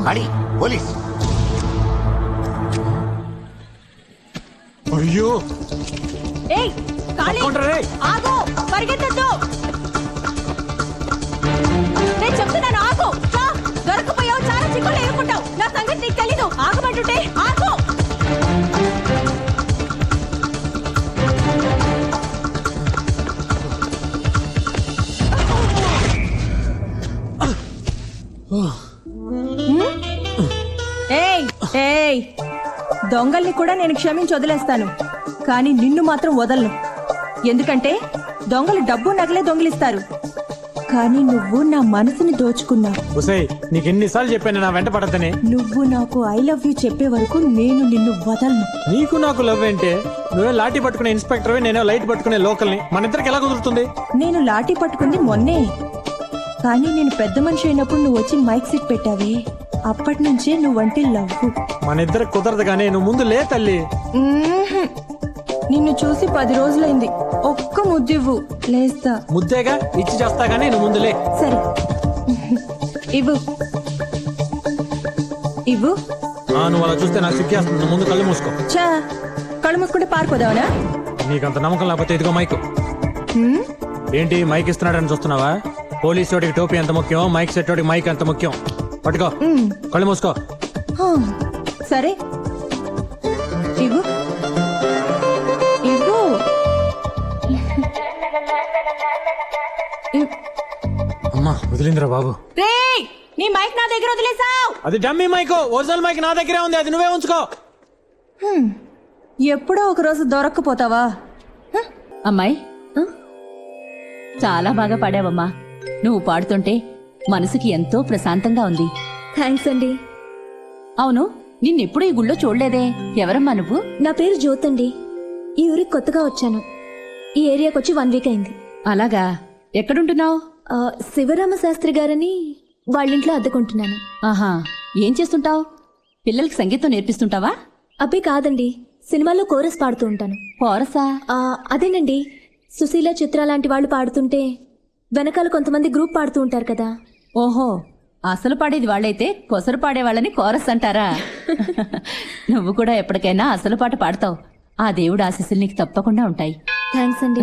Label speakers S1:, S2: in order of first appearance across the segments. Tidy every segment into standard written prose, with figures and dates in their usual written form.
S1: అడి పోలీస్.
S2: అయ్యో
S3: ఏయ్ కాళీ ఆగు, పరిగెత్తొద్దు. నేను చెప్తున్నాను ఆగు. దొరకపోయావు, చాలా చిక్కులు ఎదుర్కొంటావు. నా సంగతి నీకు తెలీదు. ఆగమంటుంటే ఆగు. ఏయ్ ఏయ్, దొంగల్ని కూడా నేను క్షమించి వదిలేస్తాను, కానీ నిన్ను మాత్రం వదలను. ఎందుకంటే దొంగలు డబ్బు నగలే దొంగిలిస్తారు, కానీ నువ్వు నా మనసుని దోచుకున్నావు.
S2: నీకెన్నిసార్లు చెప్పాను నా వెంట పడద్దని.
S3: నువ్వు నాకు ఐ లవ్ యూ చెప్పే వరకు నేను నిన్ను వదలను.
S2: నీకు నాకు లవ్ ఏంటే? నువ్వే లాఠీ పట్టుకునే ఇన్స్పెక్టర్, నేనే లైట్ పట్టుకునే లోకల్ని. మన ఇద్దరికి ఎలా కుదురుతుంది?
S3: నేను లాఠీ పట్టుకుంది మొన్నే, కానీ నేను పెద్ద మనిషి అయినప్పుడు నువ్వు వచ్చి మైక్ సెట్ పెట్టావే, అప్పటి నుంచే నువ్వంటే లవ్.
S2: మన ఇద్దరికి కుదరదు కానీ నువ్వు ముందు లే తల్లి.
S3: నిన్ను చూసి 10 రోజులైంది. ఒక్క ముద్దివ్వు, లేస్తా.
S2: ముద్దేగా ఇచ్చి చేస్తా గానీ నువ్వు ముందు లే.
S3: సరే ఇవ్వు ఇవ్వు.
S2: నువ్వు అలా చూస్తే నాకు సిగ్గేస్తుంది. నువ్వు ముందు కళ్ళు మూసుకో.
S3: చా, కళ్ళు మూసుకుంటే పారిపోదావనా?
S2: నీకంత నమ్మకం లేకపోతే ఇదిగో మైక్. ఏంటి మైక్ ఇస్తున్నాడని చూస్తున్నావా? పోలీసు వాడికి టోపీ ఎంత ముఖ్యం, మైక్ సెట్ వాడికి మైక్ ఎంత ముఖ్యం. పట్టుకో, కళ్ళు మూసుకో.
S3: సరే ఇవ్వు ఇవ్వు.
S2: అమ్మా వదిలిందిరా బాబు.
S3: రేయ్, నీ మైక్ నా దగ్గర వదిలేసావు.
S2: అది డమ్మీ మైక్, ఒరిజినల్ మైక్ నా దగ్గరే ఉంది, అది నువ్వే ఉంచుకో.
S3: ఎప్పుడో ఒక రోజు దొరక్కపోతావా?
S4: అమ్మాయి, చాలా బాగా పాడావమ్మా. నువ్వు పాడుతుంటే మనసుకి ఎంతో ప్రశాంతంగా ఉంది.
S5: థ్యాంక్స్ అండి.
S4: అవును, నిన్నెప్పుడు ఈ గుళ్ళో చూడలేదే. ఎవరమ్మా నువ్వు?
S5: నా పేరు జ్యోత్ అండి. ఈ ఊరికి కొత్తగా వచ్చాను. ఈ ఏరియాకి వచ్చి 1 వీక్ అయింది.
S4: అలాగా, ఎక్కడుంటున్నావు?
S5: శివరామ శాస్త్రి గారని వాళ్ళింట్లో అద్దెకుంటున్నాను.
S4: ఆహా, ఏం చేస్తుంటావు? పిల్లలకి సంగీతం నేర్పిస్తుంటావా?
S5: అబ్బే కాదండి, సినిమాలో కోరస్ పాడుతూ ఉంటాను.
S4: కోరసా?
S5: అదేనండి, సుశీల, చిత్ర లాంటి వాళ్ళు పాడుతుంటే వెనకాల కొంతమంది గ్రూప్ పాడుతూ ఉంటారు కదా.
S4: ఓహో, అసలు పాడేది వాళ్ళైతే కొసరు పాడేవాళ్ళని కోరస్ అంటారా? నువ్వు కూడా ఎప్పటికైనా అసలు పాట పాడతావు. ఆ దేవుడు ఆశీస్సులు నీకు తప్పకుండా ఉంటాయి.
S5: థ్యాంక్స్ అండి.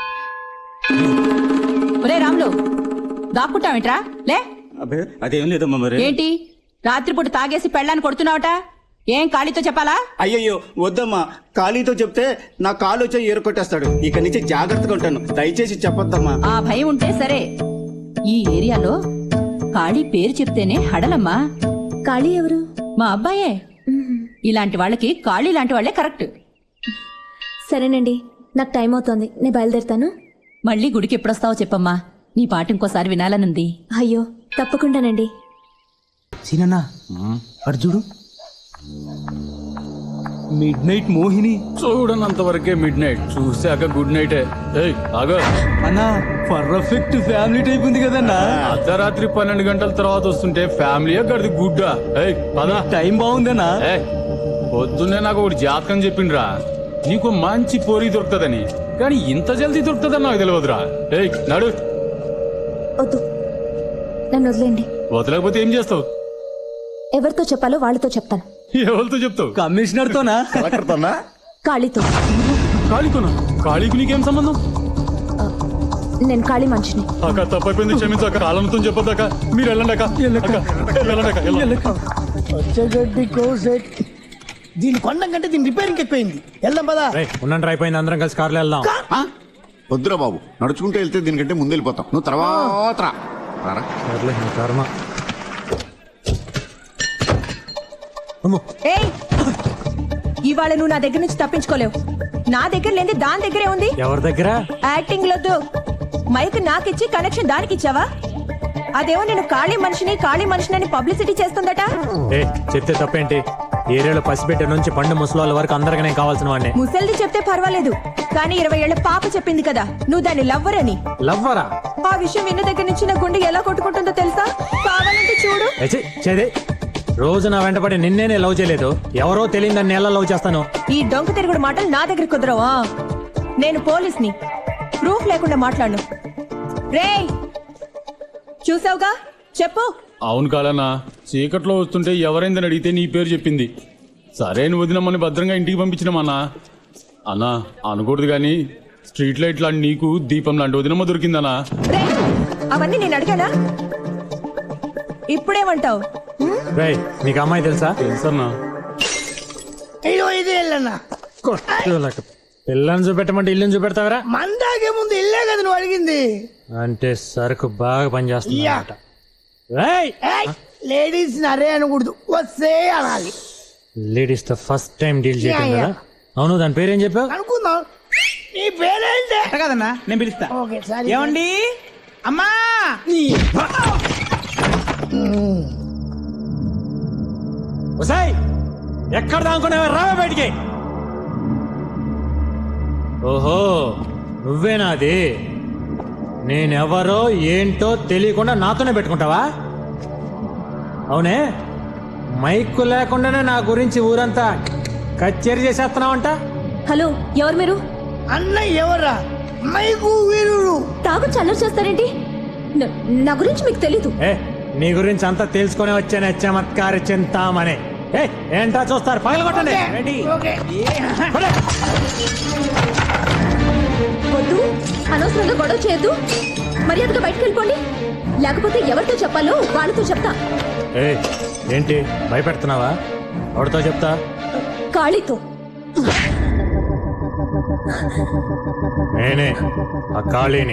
S4: ఒరే రాములు, దాక్కుంటావేంట్రా? లే.
S6: అదేం లేదమ్మా. మరి
S4: ఏంటి రాత్రిపూట తాగేసి పెళ్ళాన్ని కొడుతున్నావట? ఏం ఖాళీతో చెప్పాలా?
S6: అయ్యయ్యో వద్దమ్మా, ఖాళీతో చెప్తే నా కాలు వచ్చి ఏరుకొట్టేస్తాడు. ఇక నుంచి జాగ్రత్తగా ఉంటాను, దయచేసి చెప్పొద్దమ్మా.
S4: ఆ భయం ఉంటే సరే. ఈ ఏరియాలో ఖాళీ పేరు చెప్తేనే హడలమ్మా.
S5: ఖాళీ ఎవరు?
S4: మా అబ్బాయే. ఇలాంటి వాళ్ళకి ఖాళీ లాంటి వాళ్లే కరెక్ట్.
S5: సరేనండి, నాకు టైం అవుతోంది, నేను బయలుదేరుతాను.
S4: మళ్ళీ గుడికి ఎప్పుడొస్తావో చెప్పమ్మా, నీ పాట ఇంకోసారి వినాలనుంది.
S5: అయ్యో తప్పకుండానండి.
S6: సీనన్నా అటు చూడు, మిడ్ నైట్ మోహిని.
S7: చూడనంత వరకే మిడ్ నైట్, చూశాక గుడ్ నైట్.
S6: అన్నా పర్ఫెక్ట్ ఫ్యామిలీ టైప్ ఉంది కదన్నా.
S7: అర్ధరాత్రి 12 గంటల తర్వాత వస్తుంటే ఫ్యామిలీయే గడిది గుడ్డా. పదా,
S6: టైం బాగుందన్నా.
S7: పొద్దున్నే నాకు ఒకటి జాతకం చెప్పిండ్రా, నీకు మంచి పోరి దొరుకుతుందని. కానీ ఇంత జల్దీ దొరుకుతుందని నాకు తెలియదురా. నడు.
S5: వద్దు, నన్ను వదిలేండి.
S7: వదలకపోతే ఏం చేస్తావు?
S5: ఎవరితో చెప్పాలో వాళ్ళతో చెప్తాను.
S7: ఎవరితో చెప్తావు?
S6: కమిషనర్ తోనా?
S1: కలెక్టర్తోనా?
S5: ఖాళీతో.
S7: ఖాళీతోనా? ఖాళీకి నీకేం సంబంధం?
S5: నేను ఖాళీ మనిషిని.
S7: అక్క తప్పైపోయింది, క్షమించాక. కాలంతో చెప్పొద్దాక. మీరు వెళ్ళండి అక్క.
S8: దీని కొండం కంటే దీని రిపేరింగ్ ఎక్కువైంది. వెళ్దాం పదా.
S2: ఉండండి, అయిపోయింది. అందరం కలిసి కార్లో వెళ్దాం.
S1: వద్దురా బాబు, నడుచుకుంటూ వెళ్తే దీనికంటే ముందు వెళ్ళిపోతాం. నువ్వు తర్వాత రా.
S2: కర్మ.
S3: ఏయ్, ఇవాళ నువ్వు నా దగ్గర నుంచి తప్పించుకోలేవు. నా దగ్గర లేని దాని దగ్గరే ఉంది.
S2: ఎవరి దగ్గర?
S3: యాక్టింగ్ లొద్దు. మైక్ నాకిచ్చి కనెక్షన్ దానికి ఇచ్చావా? అదేమో నేను ఖాళీ మనిషిని పబ్లిసిటీ చేస్తుందట.
S2: చెప్తే తప్పేంటి? ఏరియాలో పసిబిడ్డ నుంచి పండు ముసలాళ్ళ వరకు అందరికీ నేను కావాల్సిన వాడిని.
S3: ముసల్ది చెప్తే పర్వాలేదు, కానీ 20 ఏళ్ల పాప చెప్పింది కదా నువ్వు దాన్ని లవ్వర్ అని.
S2: లవ్వరా?
S3: ఆ విషయం విన్న దగ్గర నుంచి నా గుండె ఎలా కొట్టుకుంటుందో తెలుసా? కావాలంటే చూడు.
S2: రోజు నా వెంటపడి నిన్నే లవ్ చేయలేదు, ఎవరో తెలియదని ఎలా లవ్ చేస్తాను?
S3: ఈ డొంక తిరుగుడు మాటలు నా దగ్గర కుదరవా? నేను పోలీస్ని, ప్రూఫ్ లేకుండా మాట్లాడను. రేయ్, చూసావుగా, చెప్పు.
S7: అవును కాదన్నా, చీకట్లో వస్తుంటే ఎవరైందని అడిగితే నీ పేరు చెప్పింది. సరే నువ్వు వదినమ్మని భద్రంగా ఇంటికి పంపించినామన్నా. అన్నా అనకూడదు కానీ స్ట్రీట్ లైట్ లాంటి నీకు దీపం లాంటి వదినమ్మ దొరికిందన్నా.
S3: రేయ్, అవన్నీ నేను అడిగానా? ఇప్పుడేమంటావు?
S2: రేయ్ నీకు అమ్మాయి తెలుసా?
S7: తెలుసన్నా.
S8: ఇదో ఇదే వెళ్ళన్నా
S2: పిల్లని చూపెట్టమంటే ఇల్లుని చూపెడతావరా?
S8: మందాకే ముందు ఇల్లే కదా నువ్వు అడిగింది.
S2: అంటే సరుకు బాగా పనిచేస్తుంది అన్నమాట. రేయ్,
S8: లేడీస్ నరే అనకూడదు, వస్తే అనాలి.
S2: లేడీస్ తో ఫస్ట్ టైం డీల్ చేయటం కదా. అవును, దాని పేరేం చెప్పావు?
S8: అనుకుందాం. నీ పేరేంటి?
S9: కదన్నా నేను పిలుస్తా.
S8: ఓకే సరే.
S9: ఏమండి అమ్మా?
S2: ఒసేయ్, ఎక్కడ దానుకునేవా? రావే బయటికి. ఓహో, నువ్వేనా అది? నేనెవరో ఏంటో తెలియకుండా నాతోనే పెట్టుకుంటావా? అవునే, మైక్ లేకుండానే నా గురించి ఊరంతా కచేరీ చేసేస్తున్నావంట.
S5: హలో, ఎవరు మీరు?
S8: అన్న ఎవర్రా? మైకు వీరుడు.
S5: తాగు చల్లర చేస్తారేంటి? నా గురించి మీకు తెలీదు.
S2: ఏ, నీ గురించి అంతా తెలుసుకొని వచ్చానే చమత్కారి చింతామని. ఏ, ఏంటా చూస్తారు? పగలగొట్టండి. రెడీ?
S8: ఓకే.
S2: పడే.
S5: వద్దు, అనవసరంగా గొడవ చేయొద్దు. మర్యాదగా బయటకు వెళ్ళిపోండి, లేకపోతే ఎవరితో చెప్పాలో వాళ్ళతో చెప్తా.
S2: ఏ, ఏంటి భయపెడుతున్నావా? ఎవరితో చెప్తా?
S5: ఖాళీతో.
S2: నేనే ఆ ఖాళీని.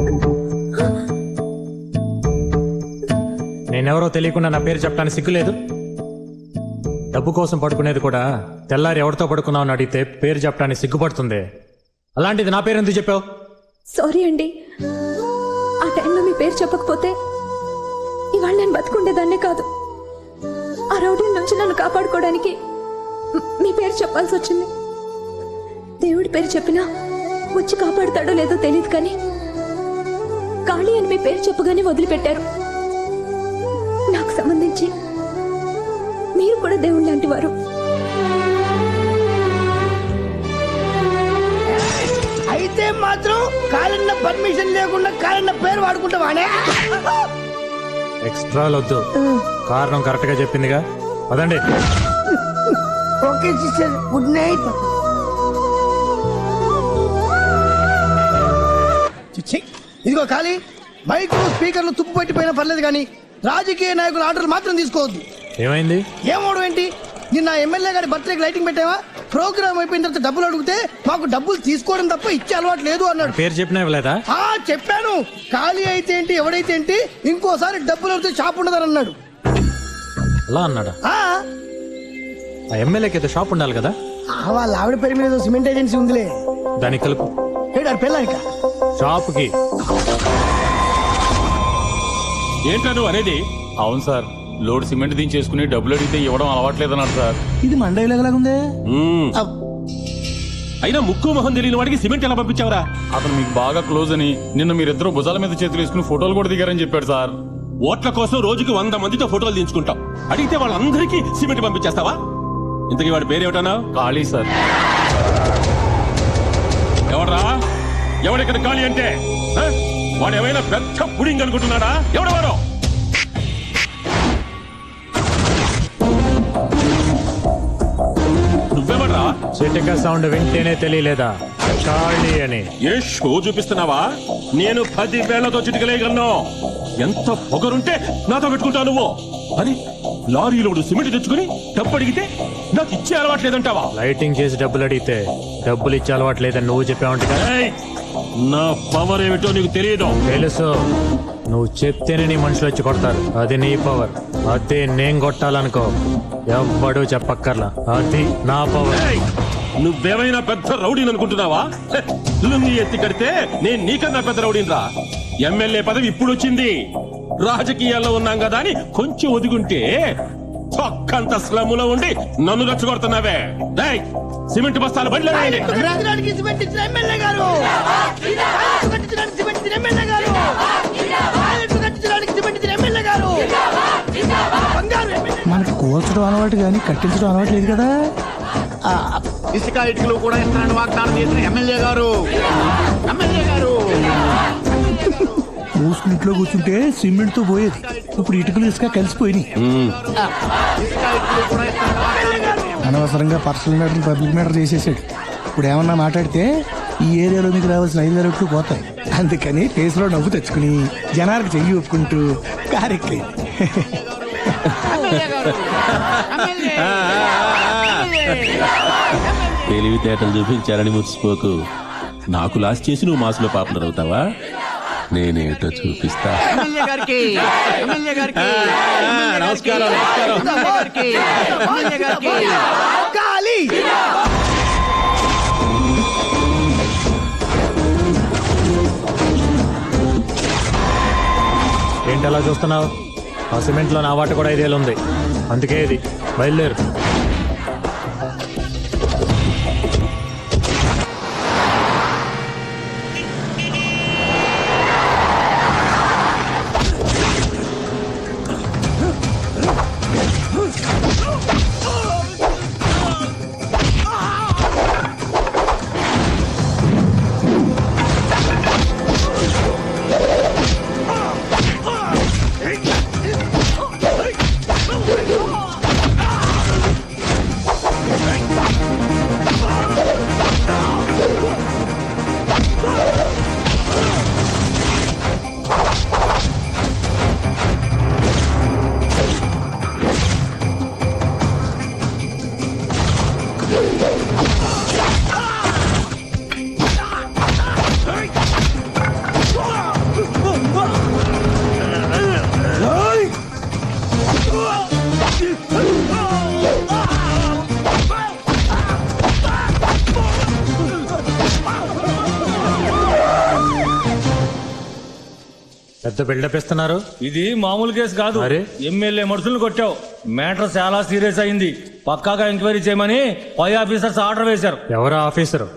S2: నేనెవరో తెలియకుండా నా పేరు చెప్పడానికి సిగ్గులేదు? డబ్బు కోసం పడుకునేది కూడా తెల్లారి ఎవరితో పడుకున్నావు అని అడిగితే పేరు చెప్పడానికి సిగ్గుపడుతుంది. అలాంటిది నా పేరు ఎందుకు చెప్పావు?
S5: సారీ అండి, ఆ టైంలో మీ పేరు చెప్పకపోతే ఇవాళ నేను బతుకుండేదాన్నే కాదు. ఆ రౌడీ నుంచి నన్ను కాపాడుకోవడానికి మీ పేరు చెప్పాల్సి వచ్చింది. దేవుడి పేరు చెప్పినా వచ్చి కాపాడుతాడో లేదో తెలియదు, కానీ ఖాళీ అని మీ పేరు చెప్పగానే వదిలిపెట్టారు. నాకు సంబంధించి మీరు కూడా దేవుడు లాంటి వారు.
S8: అయితే మాత్రం కాలన్న పర్మిషన్ లేకుండా కాలన్న పేరు వాడుకుంటావానే?
S2: ఎక్స్ట్రా వద్దు, కారణం కరెక్ట్ గా చెప్పిందిగా. పదండి.
S8: Okay sister, good night. ఇదిగో ఖాళీ, మైకు స్పీకర్లు తుప్పు పట్టిపోయినా పర్లేదు కానీ రాజకీయ నాయకుల ఆర్డర్లు మాత్రం తీసుకోవద్దు.
S2: ఏమైంది?
S8: ఏమోడు ఏంటి? నిన్న ఎమ్మెల్యే గారి బర్త్డేకి లైటింగ్ పెట్టావా? ప్రోగ్రామ్ అయిపోయిన తర్వాత డబ్బులు అడిగితే మాకు డబ్బులు తీసుకోవడం తప్ప ఇచ్చే అలవాటు లేదు అన్నాడు.
S2: పేరు చెప్పినా ఇవ్వలేదా?
S8: చెప్పాను. ఖాళీ అయితే ఏంటి, ఎవడైతే ఏంటి, ఇంకోసారి డబ్బులు అడిగితే షాప్ ఉండదని అన్నాడు.
S2: అలా అన్నాడా? ఆ ఎమ్మెల్యేకి అయితే షాప్ ఉండాలి కదా.
S8: వాళ్ళ ఆవిడ పేరు మీద సిమెంట్ ఏజెన్సీ ఉందిలే,
S2: దానికి కలుపు.
S8: పెళ్ళాక
S2: షాప్ కి.
S7: ఏంటా నువ్వు అనేది? అవును సార్, లోడ్ సిమెంట్ దించేసుకుని డబ్బులు అడిగితే ఇవ్వడం అలవాట్లేదన్నాడు సార్.
S9: ఇది మండలాగుందే.
S10: అయినా ముక్కు మొహం తెలియని వాడికి సిమెంట్ ఎలా పంపించావరా?
S7: అతను మీకు బాగా క్లోజ్ అని నిన్న మీరిద్దరూ భుజాల మీద చేతులు వేసుకుని ఫోటోలు కూడా దిగారని చెప్పాడు సార్.
S10: ఓట్ల కోసం రోజుకి 100 మందితో ఫోటోలు దించుకుంటాం. అడిగితే వాళ్ళందరికీ సిమెంట్ పంపించేస్తావా? ఇంతకీ వాడి పేరేమిటన్నా?
S7: ఖాళీ సార్.
S10: ఎవడ్రా? ఎవడిక్కడ ఖాళీ అంటే? వాడు ఏమైనా పెద్ద పుడింగ్ అనుకుంటున్నాడా? ఎవడెవరో? నువ్వెవడ్రా?
S2: చిటిక సౌండ్ వింటేనే తెలియలేదా ఖాళీ అని?
S10: ఏ షో చూపిస్తున్నావా? నేను 10 వేలతో చిటికలేయగలను. ఎంత పొగరుంటే నాతో పెట్టుకుంటావు నువ్వు? అని లారీలోడు సిమెంట్ తెచ్చుకుని డబ్బు అడిగితే నాకు ఇచ్చే అలవాట్లేదంటావా?
S2: లైటింగ్ చేసి డబ్బులు అడిగితే డబ్బులు ఇచ్చే అలవాట్లేదని నువ్వు చెప్పావంట కదా.
S10: నా పవర్ ఏమిటో నీకు తెలియదు.
S2: తెలుసు, నువ్వు చెప్తేనే నీ మనుషులు వచ్చి కొడతారు. అది నీ పవర్. అదే నేను కొట్టాలనుకో ఎవ్వడూ చెప్పక్కర్లా. అది నా పవర్.
S10: నువ్వేమైనా పెద్ద రౌడీని అనుకుంటున్నావా? లుంగి ఎత్తి కడితే నేను నీకన్నా పెద్ద రౌడీని రా. ఎమ్మెల్యే పదవి ఇప్పుడు వచ్చింది. రాజకీయాల్లో ఉన్నాం కదా అని కొంచెం ఒదిగుంటే చొక్కంత స్లమ్ములో ఉండి నన్ను రెచ్చగొడుతున్నావే. సిమెంట్ బస్తాలు బండ్లో వేయండి.
S8: సిమెంట్ ఇచ్చిన ఎమ్మెల్యే గారు, సిమెంట్ ఇచ్చిన ఎమ్మెల్యే గారు, సిమెంట్ ఇచ్చిన ఎమ్మెల్యే గారు.
S9: మనకి కూల్చడం అలవాటు కానీ కట్టించడం అలవాటు లేదు కదా.
S1: ఇసుక ఇటుకలు కూడా ఇస్తానని వాగ్దానం చేసిన ఎమ్మెల్యే గారు.
S9: మూసుకుని ఇంట్లో కూర్చుంటే సిమెంట్ తో పోయేది ఇప్పుడు ఇటుకలు ఇసుక కలిసిపోయినాయి అనవసరంగా పర్సనల్ మ్యాటర్ పబ్లిక్ మ్యాటర్ చేసేసాడు ఇప్పుడు ఏమన్నా మాట్లాడితే ఈ ఏరియాలో మీకు రావాల్సిన 5 రెట్లు పోతాయి అందుకని ఫేస్లో నవ్వు తెచ్చుకుని జనాలకు చెయ్యి ఒప్పుకుంటూ కారెక్కి
S10: తెలివితేటలు చూపించారని మురిసిపోకు నాకు లాస్ చేసి నువ్వు మాసులో పాపులర్ అవుతావా నేనేటో చూపిస్తా నమస్కారం
S8: కాళీ
S2: ఏంటి అలా చూస్తున్నావు ఆ సిమెంట్ లో నా వాట కూడా 5 ఏళ్ళు ఉంది అందుకే ఇది బయలుదేరు పెద్ద బిల్డప్ ఇస్తున్నారు
S11: ఇది మామూలు కేసు కాదు
S2: అరే?
S11: ఎమ్మెల్యే మనుషులను కొట్టావు మ్యాటర్ చాలా సీరియస్ అయింది పక్కాగా ఎంక్వైరీ చేయమని పై ఆఫీసర్స్ ఆర్డర్ వేశారు
S2: ఎవరా ఆఫీసరు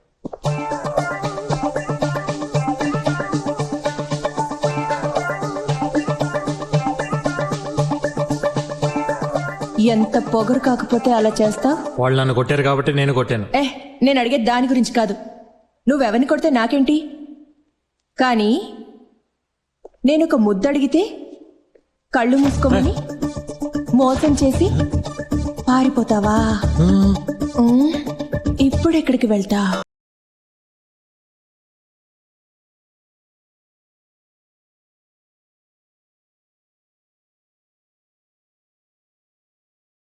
S3: ఎంత పొగరు కాకపోతే అలా చేస్తావ్?
S2: వాళ్ళు నన్ను కొట్టారు కాబట్టి నేను కొట్టాను
S3: నేను అడిగేది దాని గురించి కాదు నువ్వెవరిని కొడితే నాకేంటి కానీ నేను ఒక ముద్దు అడిగితే కళ్ళు మూసుకోమని మోసం చేసి పారిపోతావా ఇప్పుడు ఎక్కడికి వెళ్తా